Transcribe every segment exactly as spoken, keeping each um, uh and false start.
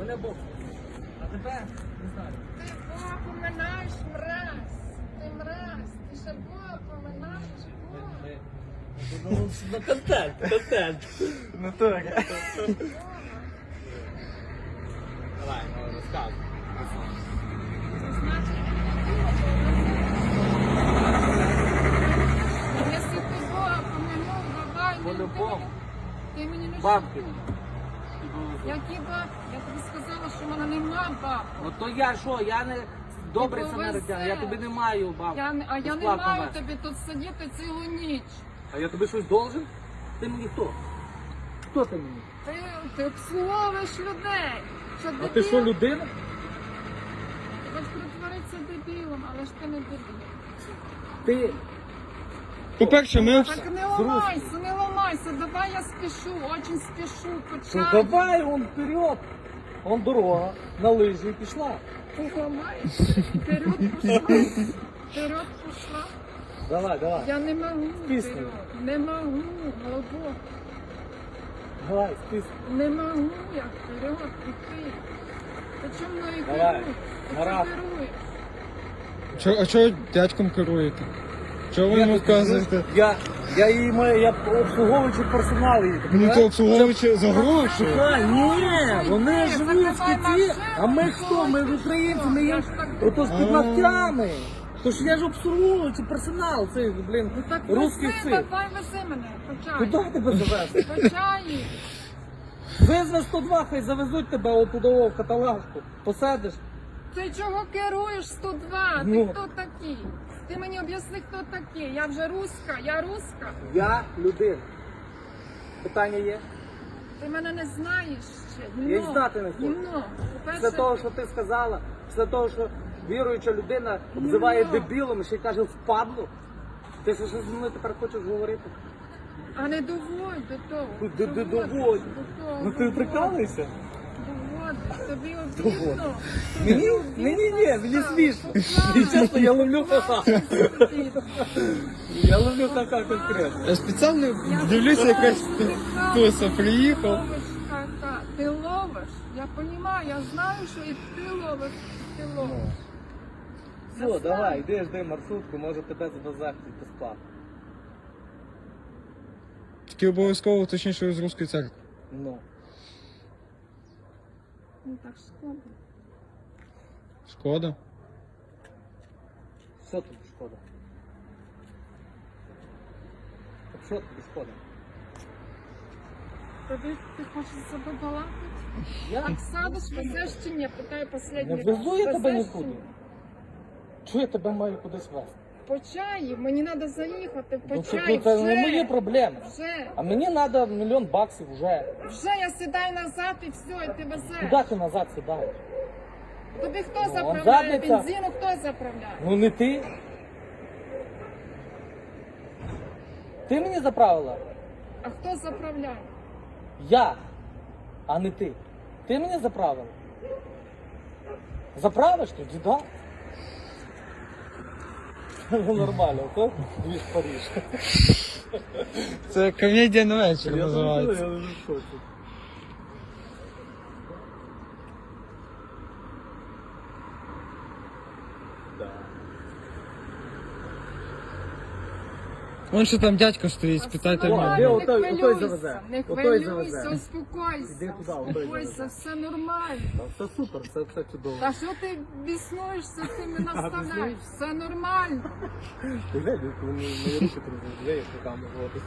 мене Бог. А тебе не знаю. Ти Бога поминаєш, мразь. Ти мразь. Ти ще Бога поминаєш, Бога. Ну, ну, контент, контент. Ну так. Давай, ну, розказуй. Значить, якщо ти Бога поминув, давай, не По-любому. ти мені не Бабки. шукай. Які бабки? Я тобі сказала, що в мене нема бабки. Ну то я що, я не добрий Ти самаритян, я повезе. тобі не маю бабки. Я не, а я не Безплатно маю вести. тобі тут сидіти цілу ніч. А я тобі щось должен? Ти мені хто? Хто ти мені? Ти, ти обслуговуєш людей. Що, А дебіл? ти що, людина? Ти хочеш притворитися дебілом, але ж ти не дебіл. Ти По-перше, ми обс... Так не ламайся, не ламайся, давай я спішу, очень спішу, Ну почай. давай, он вперед. Он дорога, на лижі і пішла. Ти ламаєшся, вперед пішла, вперед пішла. Давай, давай. Я не можу Пісню. вперед, не можу, глибоко. Давай, список. Не можу я вперед піти. Ти чому мною Давай, керуєш? Ти Марат. чого керуєш? Чо, а чого дядьком керуєте? Чого ви йому вказуєте? Я, я її маю, я обслуговуючий персонал її. ти Ну понимаєш? то обслуговуючи за гроші. А, ні, вони Ні, живуть в закривай Киті, машину, а ми хто? Ми українці, ми Я є ж так ото з під А. ногтями. Тож я ж обслуговуючий персонал, цей, блін, Ну так русський вези, цирк. давай вези мене, почай. Куди тебе завезти? Почай. Визви сто два, хай завезуть тебе отудово в каталажку. Посадиш. Ти чого керуєш сто два? Ти Ну. хто такий? Ти мені об'ясни, хто такий. Я вже руська, я руська. Я людина. Питання є? Ти мене не знаєш ще. Я й Гімно. знати не хочу. Гімно. Після По-перше, того, що ти сказала, після того, що віруюча людина обзиває Ну. дебілом і ще й каже впадло, ти що зі мною тепер хочеш говорити? а не доводь до того. Ну, де- де Доводь доводь? до того, Ну ти доводь. прикалуєшся? Доводиш, тобі Доводь. обідно. Мені? Ні, ні, ні, мені смішно. І чесно, я ловлю ха-ха. Я ловлю ха-ха конкретно. Я спеціально дивлюся, якась туса приїхав. Ловиш ха-ха. Ти ловиш. Я розумію, я знаю, що і ти ловиш, і ти ловиш. Все, давай, йди, жди маршрутку, може тебе завезти безплатно. Тільки обов'язково точніше з Руської церкви. Ну. Ну так шкода. Шкода. Що тобі шкода? Так що тобі шкода? Тобі ти хочеш себе балакати? Я Так садиш, везеш чи ні? Питаю не останній раз. везу я тебе Везеш нікуди. чи ні? Чого я тебе маю кудись везти? По чаю, мені треба заїхати, по Ну, це, чаю, ну, це не мої вже, проблеми. вже, А мені треба мільйон баксів вже. вже я сідаю назад і все, і ти везеш. Куди ти назад сідаєш? Тобі хто Ну, заправляє? задниця. Бензину хто заправляє? Ну не ти. Ти мені заправила? А хто заправляє? Я, а не ти. Ти мені заправила? Заправиш тоді, так? Ну нормально, то дві в Париж. Це комедія на вечір називається. Я вже в шоці. Да. Вон що там дядько стоїть, спитайте в О, нього. де Не отой- отой хвилюйся, завезе? не Отой хвилюйся, завезе. успокойся, Іди туди, отой успокойся, завезе. все нормально. Та все супер, все, все чудово. Та що ти біснуєшся, ти мене наставляєш, біснуюсь? все нормально. Ти глянь, коли мої мої руки розглядаєш руками зводиш.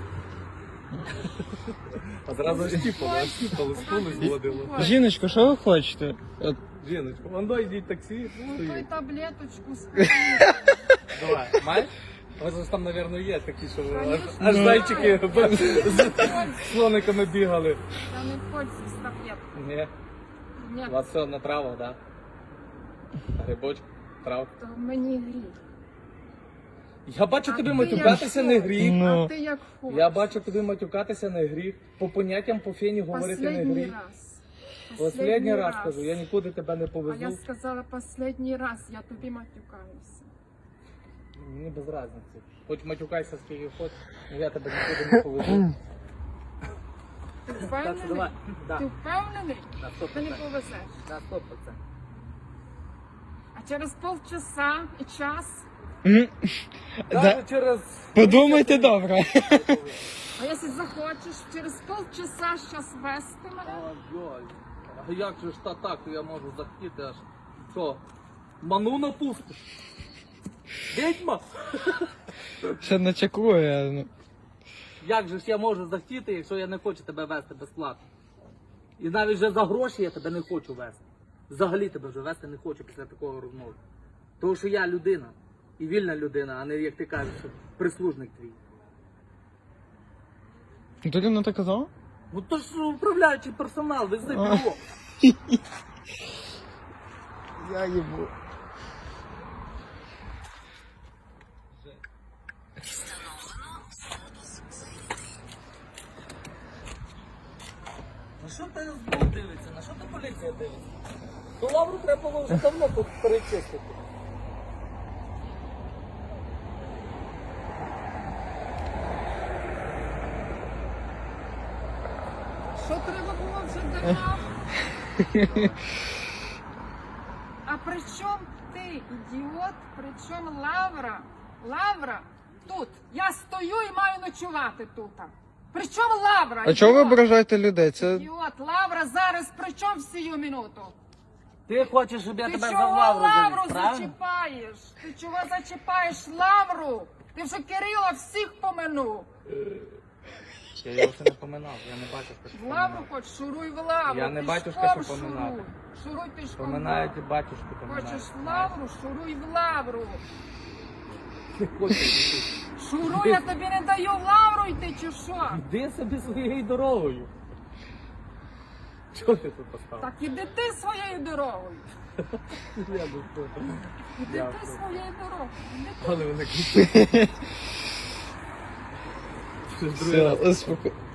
А зразу штіпали, штіпали, скули зводило. Жіночко, що ви хочете? От, Жіночко, вон дай йдіть таксі. Ну, той стоїть. таблеточку спи. Давай, маєш? У вас там, мабуть, є такі, що аж, Конечно. аж Ну. зайчики з слониками бігали. Я не пользуюсь таблеткой. Ні, Ні, у вас все на травах, так? Да? Грибочок, трав. то мені гріх. Я бачу А тобі ти матюкатися як не хочеш, гріх. Ну. А ти як хочеш. Я бачу тобі матюкатися не гріх. По поняттям по фені говорити не Последній гріх. раз. Останній раз кажу, я нікуди тебе не А я повезу. сказала последній раз, я тобі матюкаюся. Мені без разниці. Хоч матюкайся скільки хочеш, але я тебе нікуди не повезу. Ти Так, що впевнений? давай. Да. Ти впевнений? На сто Ти не процентів. повезеш. На сто процентів. А через полчаса і час, М. Даже Да. через... Подумайте добре. а якщо захочеш, через полчаса щас вести мене. Ой, а як же ж та так, я можу захотіти аж. Що? Ману напустиш? Відьма? Ще не чекує. Ну. Як же ж я можу захотіти, якщо я не хочу тебе вести безплатно? І навіть вже за гроші я тебе не хочу вести. Взагалі тебе вже вести не хочу після такого розмови. Тому що я людина. І вільна людина, а не, як ти кажеш, прислужник твій. Ти рівно так казав? Ну то ж управляючий персонал, вези А. бюро. Я їбу. На що ти СБУ дивиться? На що ти поліція дивиться? То лавру треба було вже давно тут перечистити. Що треба було вже давно? А при чому ти, ідіот, при чому Лавра? Лавра тут. Я стою і маю ночувати тут. При чому Лавра? А чого ви ідіот? ображаєте людей? Це Ідіот, Лавра зараз при чому в сію минуту? Ти хочеш, щоб я Ти тебе за чого лавру Лавру завіз, правильно? зачіпаєш? Ти чого зачіпаєш Лавру? Ти вже Кирила всіх поминув. Я його ще не поминав, я не бачив, що В Лавру хоч, шуруй в Лавру. Я не пішком батюшка, що шуруй. поминати. Шуруй пішком. Поминають і батюшку поминають. Хочеш в Лавру, шуруй в Лавру. Не хочу йти. Шуруй, я тобі не даю в Лавру йти, чи що? Іди собі своєю дорогою. Чого ти тут поставив? Так іди ти своєю дорогою. Я не хочу. Іди Я ти все. своєю дорогою. Іди ти. Але вони кричать. все, успоко-